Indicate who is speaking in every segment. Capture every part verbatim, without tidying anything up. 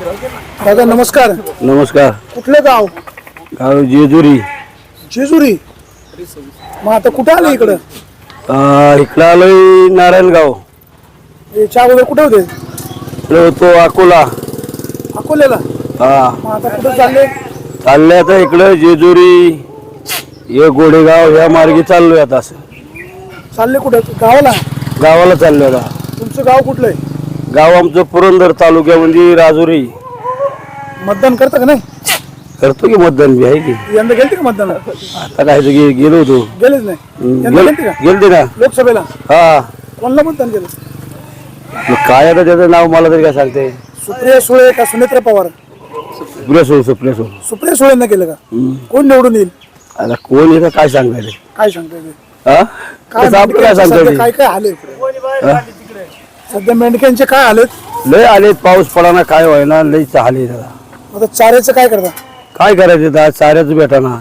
Speaker 1: दादा नमस्कार.
Speaker 2: नमस्कार.
Speaker 1: कुठलं गाव?
Speaker 2: गाव जेजुरी.
Speaker 1: जेजुरी. मग आता कुठं आलं इकडं?
Speaker 2: इकडं आलोय नारायणगाव.
Speaker 1: याच्या अगोदर कुठे होते?
Speaker 2: इकडे होतो अकोला.
Speaker 1: अकोल्याला.
Speaker 2: हा.
Speaker 1: मग आता कुठं चालले?
Speaker 2: चालले आता इकडं जेजुरी हे गोडेगाव ह्या मार्गे चाललोय आता. असं
Speaker 1: चालले कुठं? गावाला.
Speaker 2: गावाला चाललोय आता.
Speaker 1: तुमचं गाव कुठलं आहे?
Speaker 2: गाव आमचं पुरंदर तालुक्यामध्ये राजुरी.
Speaker 1: मतदान करता का नाही?
Speaker 2: करतो की मतदान बी आहे की.
Speaker 1: यंदा गेलते का मतदान?
Speaker 2: आता काय गे गेलो होतो.
Speaker 1: गेलेच नाही. यंदा गेलते का?
Speaker 2: गेलते ना
Speaker 1: लोकसभेला.
Speaker 2: हा.
Speaker 1: कोणाला मतदान केलं?
Speaker 2: मग काय आता त्याचं नाव मला तरी काय सांगते.
Speaker 1: सुप्रिया सुळे का सुनेत्रा पवार?
Speaker 2: सुप्रिया सुळे. सुप्रिया सुळे.
Speaker 1: सुप्रिया सुळेंना केलं का? कोण निवडून येईल?
Speaker 2: आता कोण येतं काय सांगायचं.
Speaker 1: काय सांगताय ते?
Speaker 2: हा
Speaker 1: काय
Speaker 2: कसं आपलं काय
Speaker 1: सध्या
Speaker 2: सांगता
Speaker 1: काय काय आले? सध्या मेंढक्यांचे काय आलेत?
Speaker 2: लय आले पाऊस पडाना काय व्हायना लय चालले दादा.
Speaker 1: आता चाऱ्याचं काय करता?
Speaker 2: काय करायचं दादा चाऱ्याच भेटाना.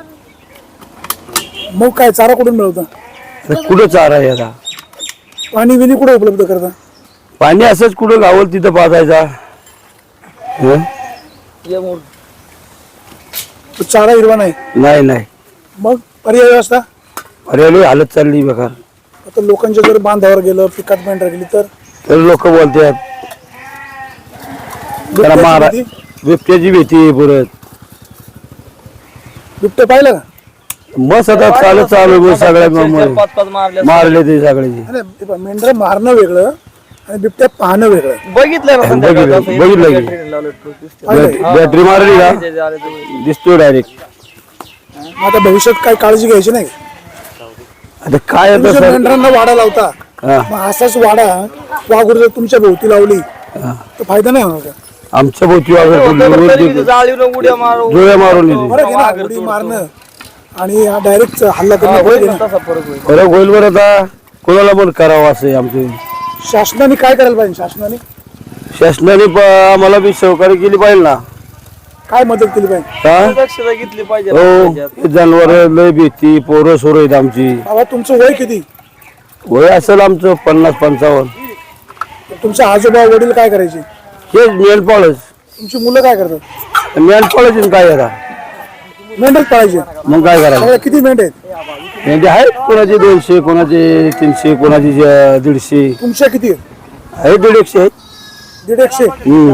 Speaker 1: मग काय चारा कुठून मिळवता?
Speaker 2: कुठं चारा आहे आता?
Speaker 1: पाणी बिनी कुठे उपलब्ध करता?
Speaker 2: पाणी असंच कुठं गावल तिथं पाजायचा.
Speaker 1: चारा हिरवा नाही.
Speaker 2: नाही नाही.
Speaker 1: मग पर्याय व्यवस्था?
Speaker 2: अरे लय हालत चालली बेकार.
Speaker 1: आता लोकांच्या जर बांधावर गेलं पिकात मेंढर गेली तर
Speaker 2: तर लोक बोलतात त्याला मारा बिबट्याची भीती आहे परत.
Speaker 1: बिबटे पाहिलं का?
Speaker 2: मस्त आता चालत चालू सगळ्या मारले ते सगळे.
Speaker 1: मेंढर मारणं वेगळं आणि बिबट्या पाहणं वेगळं.
Speaker 2: बघितलं बघितलं की बॅटरी मारली का दिसतोय डायरेक्ट.
Speaker 1: आता भविष्यात काय काळजी घ्यायची नाही.
Speaker 2: आता काय
Speaker 1: मेंढरांना वाडा लावता मग असाच वाडा वाघूर जर तुमच्या भोवती लावली तर फायदा नाही होणार का?
Speaker 2: आमच्या भोवती जुळ्या मारून
Speaker 1: उडी मारणं आणि डायरेक्ट हल्ला करणं
Speaker 2: फरक होईल बरं. आता कोणाला पण करावं असं आमचं.
Speaker 1: शासनाने काय करायला पाहिजे? शासनाने
Speaker 2: शासनाने आम्हाला बी सहकार्य केली पाहिजे ना.
Speaker 1: काय मदत केली पाहिजे?
Speaker 2: घेतली पाहिजे. हो जनावर लय भीती पोरं सोरं आहेत आमची.
Speaker 1: बाबा तुमचं वय किती?
Speaker 2: वय असेल आमचं पन्नास पंचावन्न.
Speaker 1: तुमचे आजोबा वडील काय करायचे?
Speaker 2: हेच मेंढपाळच.
Speaker 1: तुमची मुलं काय करतात?
Speaker 2: मेंढपाळच काय करा
Speaker 1: मेंढच पाळायचे.
Speaker 2: मग काय करा?
Speaker 1: किती मेंढ आहेत?
Speaker 2: मेंढे आहेत कोणाचे दोनशे कोणाचे तीनशे कोणाचे दीडशे.
Speaker 1: तुमच्या किती
Speaker 2: आहे? दीड एकशे आहेत.
Speaker 1: दीड एकशे.
Speaker 2: हम्म.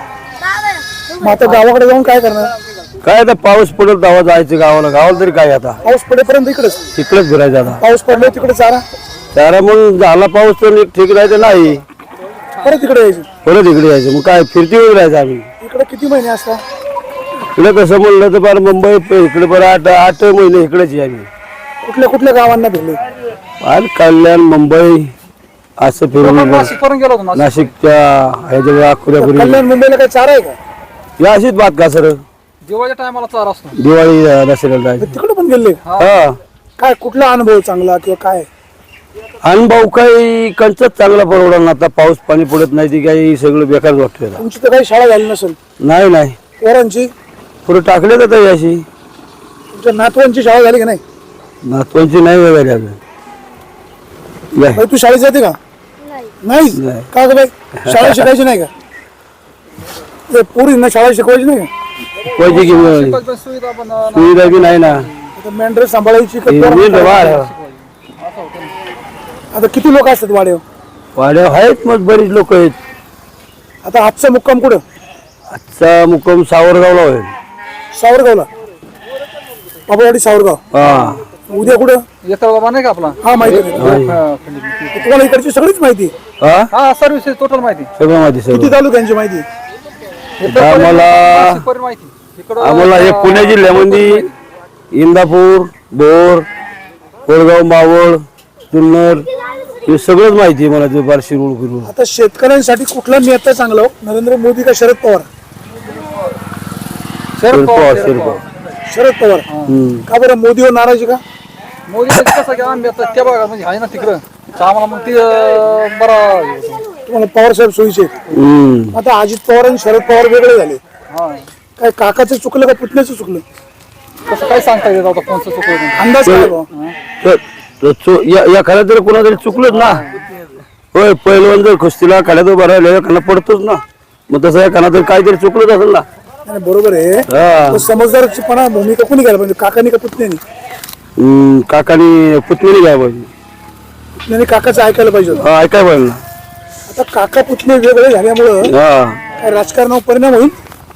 Speaker 1: मग आता गावाकडे जाऊन काय करणार?
Speaker 2: काय आता पाऊस पडत तेव्हा जायचं गावाला. गावाला तरी काय आता
Speaker 1: पाऊस पडेपर्यंत इकडेच
Speaker 2: तिकडेच फिरायचं. आता
Speaker 1: पाऊस पडला तिकडे चारा
Speaker 2: चारा मग झाला पाऊस तर ठीक राहायचं नाही
Speaker 1: परत इकडे यायचं.
Speaker 2: परत इकडे यायचं. मग काय फिरती वेळ राहायचं आम्ही.
Speaker 1: इकडे किती महिने असतात?
Speaker 2: इकडे कसं म्हणलं तर फार मुंबई इकडे बरं आठ आठ महिने इकडेच आहे आम्ही.
Speaker 1: कुठल्या कुठल्या गावांना फिरले?
Speaker 2: फार कल्याण मुंबई असं फिरून नाशिकच्या ह्याच्या अकोल्यापुरी.
Speaker 1: कल्याण मुंबईला काय चारा आहे का?
Speaker 2: या अशीच बात का सर
Speaker 3: दिवाळीच्या टायमाला चारा असतो.
Speaker 2: दिवाळी दसऱ्याला जायचं.
Speaker 1: तिकडे पण गेले?
Speaker 2: हा.
Speaker 1: काय कुठला अनुभव चांगला किंवा काय
Speaker 2: अनुभव काही कंचच चांगला परवडा ना. आता पाऊस पाणी पडत नाही ती काही सगळं बेकार वाटतोय.
Speaker 1: तुमची तर काही शाळा झाली नसेल?
Speaker 2: नाही नाही.
Speaker 1: पोरांची
Speaker 2: पुढे टाकले का ताई अशी?
Speaker 1: तुमच्या नातवांची शाळा झाली का नाही?
Speaker 2: नातवांची नाही वगैरे अजून.
Speaker 1: बाई, तू शाळेत जाते का? नाही. का ग बाई शाळा शिकायची नाही का? ते पोरींना शाळा शिकवायची नाही का?
Speaker 2: शिकवायची की सुविधा बी नाही ना.
Speaker 1: मेंढर सांभाळायची का? आता किती लोक असतात वाड्यावर?
Speaker 2: वाड्या आहेत मग बरीच लोक आहेत.
Speaker 1: आता आजचा मुक्काम कुठं?
Speaker 2: आजचा मुक्काम सावरगावला होईल.
Speaker 1: सावरगावला. बाबावाडी सावरगाव.
Speaker 2: हा.
Speaker 1: उद्या कुठं?
Speaker 3: येता बाबा नाही का आपला?
Speaker 1: हा माहिती आहे. तुम्हाला इकडची सगळीच माहिती?
Speaker 2: हा
Speaker 3: हा सर्व्हिसेस टोटल माहिती.
Speaker 2: सगळं माहिती.
Speaker 1: किती
Speaker 2: सगळं
Speaker 1: तालुक्यांची माहिती?
Speaker 2: आम्हाला आम्हाला हे पुणे जिल्ह्यामध्ये इंदापूर बोर कोळगाव मावळ जुन्नर हे सगळंच माहिती आहे मला. ते बार शिरूळ फिरूळ.
Speaker 1: आता शेतकऱ्यांसाठी कुठला नेता चांगला हो? नरेंद्र मोदी का शरद पवार?
Speaker 2: शरद पवार. शरद पवार.
Speaker 1: शरद पवार. का बरं मोदीवर नाराजी का?
Speaker 3: मोदी कसं की आम्ही आता त्या भागात म्हणजे आहे ना तिकडं आम्हाला मग ते बरा
Speaker 1: तुम्हाला पवार साहेब सोयीचे. आता अजित पवार आणि शरद पवार वेगळे झाले. काय काकाचं चुकलं का पुतण्याचं चुकलं?
Speaker 3: कसं काय सांगता येत आता कोणचं चुकलं?
Speaker 1: अंदाज काय?
Speaker 2: या खाल्या तरी कोणातरी चुकलंच ना. होय पहिलवान जर कुस्तीला खाल्या तर बरं खाना पडतोच ना. मग तसं एखादा तर काहीतरी चुकलंच असेल ना.
Speaker 1: नाही, बरोबर आहे.
Speaker 2: हा.
Speaker 1: पण समजदारपणा भूमिका कोणी घ्यायला पाहिजे, काकानी का पुतण्यानी?
Speaker 2: हम्म, काकानी पुतणी घ्या पाहिजे.
Speaker 1: पुतण्याने काकाचं ऐकायला पाहिजे होतं.
Speaker 2: हा, ऐकाय पाहिजे ना.
Speaker 1: आता काका पुतणे वेगळे झाल्यामुळं
Speaker 2: हा,
Speaker 1: काय राजकारणावर परिणाम होईल?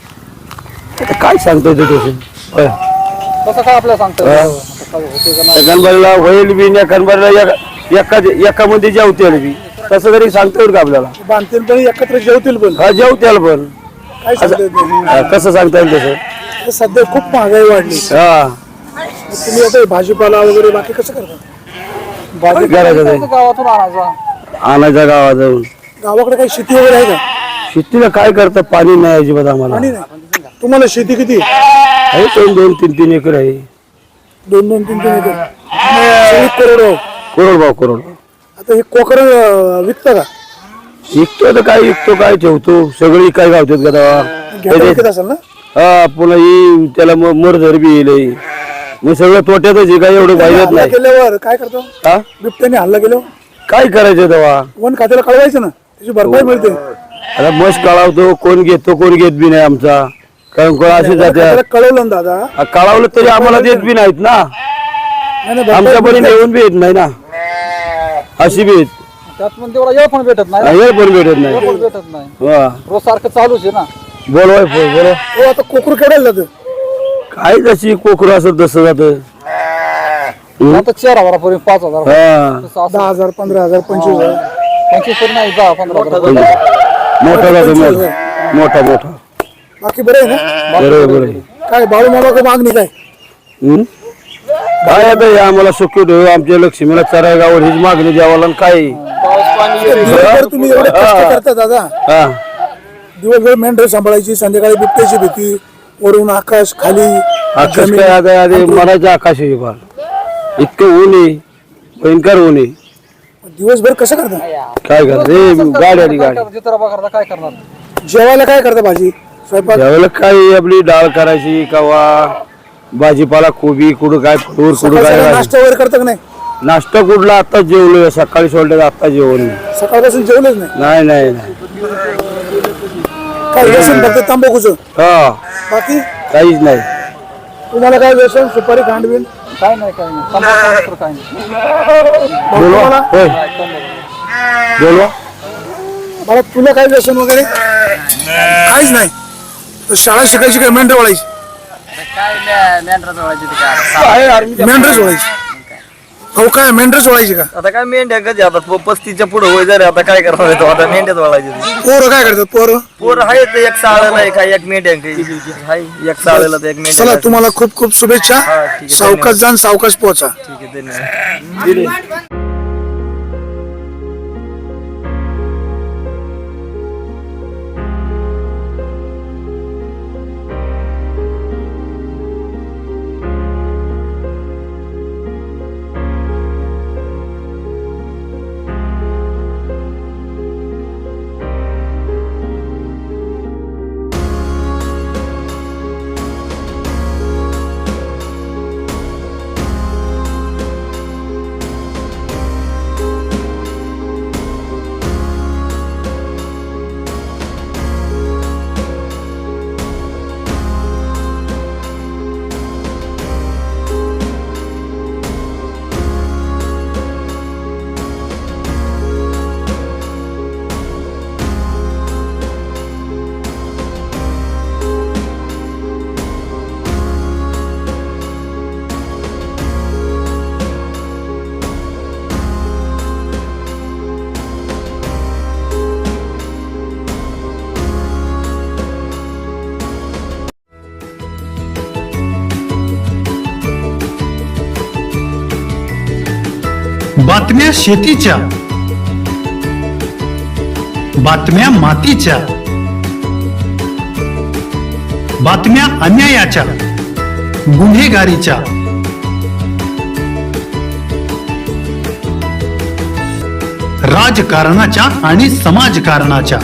Speaker 2: आता काय सांगता येतं तसं. होय.
Speaker 3: तसं काय आपल्याला सांगतं
Speaker 2: हा.
Speaker 3: होते का नाही.
Speaker 2: गणबाईला होईल बी या गणबाईला एका एका मध्ये जेवतील बी तसं तरी सांगता येईल का आपल्याला.
Speaker 1: बांधतील पण एकत्र जेवतील पण,
Speaker 2: हा, जेवत्याल पण
Speaker 1: काय सांगता येत नाही.
Speaker 2: हा, कसं सांगता येईल तसं.
Speaker 1: आता सध्या खूप महागाई वाढली.
Speaker 2: हा,
Speaker 1: मग तुम्ही आता भाजीपाला वगैरे बाकी कसं करता?
Speaker 2: काय करायचं ते?
Speaker 3: गावातून आणायचा.
Speaker 2: आणायच्या गावात जाऊन.
Speaker 1: गावाकडे काही शेती वगैरे आहे का?
Speaker 2: शेतीला काय करतं, पाणी नाही अजिबात आम्हाला.
Speaker 1: आणि नाही तुम्हाला शेती किती?
Speaker 2: आहे दोन दोन तीन तीन एकर आहे.
Speaker 1: दोन दोन तीन तीन एकर सगळी करोड.
Speaker 2: करोड भाव करोड.
Speaker 1: आता हे कोकर विकता का?
Speaker 2: विकतो तर काय विकतो काय ठेवतो सगळी काय गावतात का
Speaker 1: घेता
Speaker 2: तेव्हा.
Speaker 1: विकत असेल ना?
Speaker 2: हा, पुन्हा ही त्याला मरधर बी येईल. मग सगळं तोट्यातच आहे, काय एवढं पाहिजेत
Speaker 1: हल्ला
Speaker 2: नाही.
Speaker 1: केल्यावर काय करतो?
Speaker 2: हा,
Speaker 1: बिबट्याने हल्ला केल्यावर
Speaker 2: काय करायचं तेव्हा.
Speaker 1: वन खात्याला कळवायचं ना, त्याची भरपाई मिळते.
Speaker 2: आता मस्त कळावतो, कोण घेतो कोण घेत बी नाही आमचा. कारण कोण असे जाते
Speaker 1: त्याला कळवलं ना दादा.
Speaker 2: कळावलं तरी आम्हाला देत बी नाहीत ना.
Speaker 1: नाही, नाही,
Speaker 2: आमच्या
Speaker 1: भरपाई
Speaker 2: परी
Speaker 1: मिळते.
Speaker 2: येऊन बी येत नाही ना. अशी बी येत
Speaker 3: त्यात पण तेवढा येळ पण भेटत नाही.
Speaker 2: हे पण भेटत नाही.
Speaker 3: येळ पण भेटत नाही.
Speaker 2: हा,
Speaker 3: रोज सारखं चालूच आहे ना.
Speaker 2: बोलवाय बोलवा.
Speaker 1: हो, आता कोकरू केवढ्याला जातं?
Speaker 2: काय जशी कोकरू असत तसं जात.
Speaker 3: आता चार हजारापर्यंत पाच हजार
Speaker 2: हा,
Speaker 3: तसं असं
Speaker 1: दहा हजार पंधरा हजार पंचवीस हजार
Speaker 3: पंचवीस तरी नाही दहा पंधरा हजार.
Speaker 2: मोठा जातो मोठा मोठा मोठा.
Speaker 1: बाकी बरं आहे ना?
Speaker 2: बरोबर बरोबर.
Speaker 1: काय बाळू मामा का मागणी काय?
Speaker 2: हम्म? काय आता हे आम्हाला सुखी ठेवू, आमच्या लक्ष्मीला चरागावर हीच मागणी द्यावाला आणि काय.
Speaker 1: दिवसभर तुम्ही एवढे कष्ट करता दादा.
Speaker 2: हा,
Speaker 1: दिवसभर मेंढर सांभाळायची, संध्याकाळी बिबट्याची भीती, वरून आकाश खाली
Speaker 2: आकाश काय आता आधी मरायचं आकाश आहे फार. इतकं ऊन आहे, भयंकर ऊन आहे.
Speaker 1: दिवसभर कसं करता?
Speaker 2: काय करते गाडी आली गाडी.
Speaker 3: जित्राबा करता काय करणार.
Speaker 1: जेवायला काय करता? भाजी स्वयंपाक?
Speaker 2: त्यावेळेला काय आपली डाळ करायची कवा भाजीपाला कोबी कुठं काय फ्रूट कुठं
Speaker 1: सकाळी
Speaker 2: काय
Speaker 1: सकाळी
Speaker 2: भाजी.
Speaker 1: नाश्ता वगैरे करता का नाही?
Speaker 2: नाश्ता कुठला आता जेवलोय सकाळी सोडलं आता जेवण नाही.
Speaker 1: सकाळपासून जेवलेच नाही?
Speaker 2: नाही नाही नाही.
Speaker 1: काय व्यसन फक्त तंबाखूचं?
Speaker 2: हा,
Speaker 1: बाकी
Speaker 2: काहीच नाही.
Speaker 1: तुम्हाला काय व्यसन? सुपारी खांडवीन?
Speaker 3: काय नाही काय नाही. तंबाखू तर काय नाही.
Speaker 2: बोलवा
Speaker 1: तुम्हाला
Speaker 2: होय बोलवा.
Speaker 1: मला तुला काय व्यसन वगैरे? काहीच नाही. तर शाळा शिकायची काय मेंढर वळायची? मेंढरच वळायची. हो काय मेंढरच वळायची का?
Speaker 4: आता काय मेंढ्या कधी आता प- पस्तीसच्या पुढे होय जर आता काय करावं येतो आता मेंढ्याच वळायचे
Speaker 1: पोरं काय करतात पोरं?
Speaker 4: पोर आहेत एक साळेला आहे काय एक मेंढ्या काही हाय एक साळेला तर एक मेंढ्या
Speaker 1: चला तुम्हाला खूप खूप शुभेच्छा.
Speaker 4: हा, ठीक आहे,
Speaker 1: सावकाश जाण सावकाश पोहोचा.
Speaker 4: ठीक आहे धन्यवाद.
Speaker 5: बातम्या शेतीच्या, बातम्या मातीच्या, बातम्या अन्यायाच्या, गुन्हेगारीच्या, राजकारणाच्या आणि समाजकारणाच्या,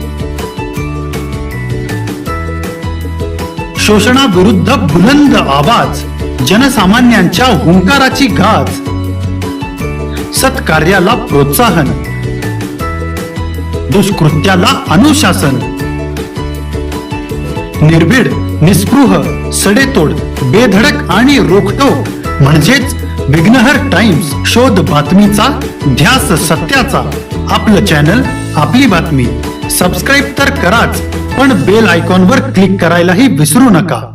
Speaker 5: शोषणाविरुद्ध बुलंद आवाज, जनसामान्यांच्या हुंकाराची गाज, सत्कार्याला प्रोत्साहन, दुष्कृत्याला अनुशासन, निर्भीड, निस्पृह, सडेतोड, बेधडक आणि रोखटोक म्हणजेच विघ्नहर टाइम्स. शोध बातमीचा, ध्यास सत्याचा. आपलं चॅनल, आपली बातमी. सबस्क्राईब तर कराच, पण बेल आयकॉनवर क्लिक करायलाही विसरू नका.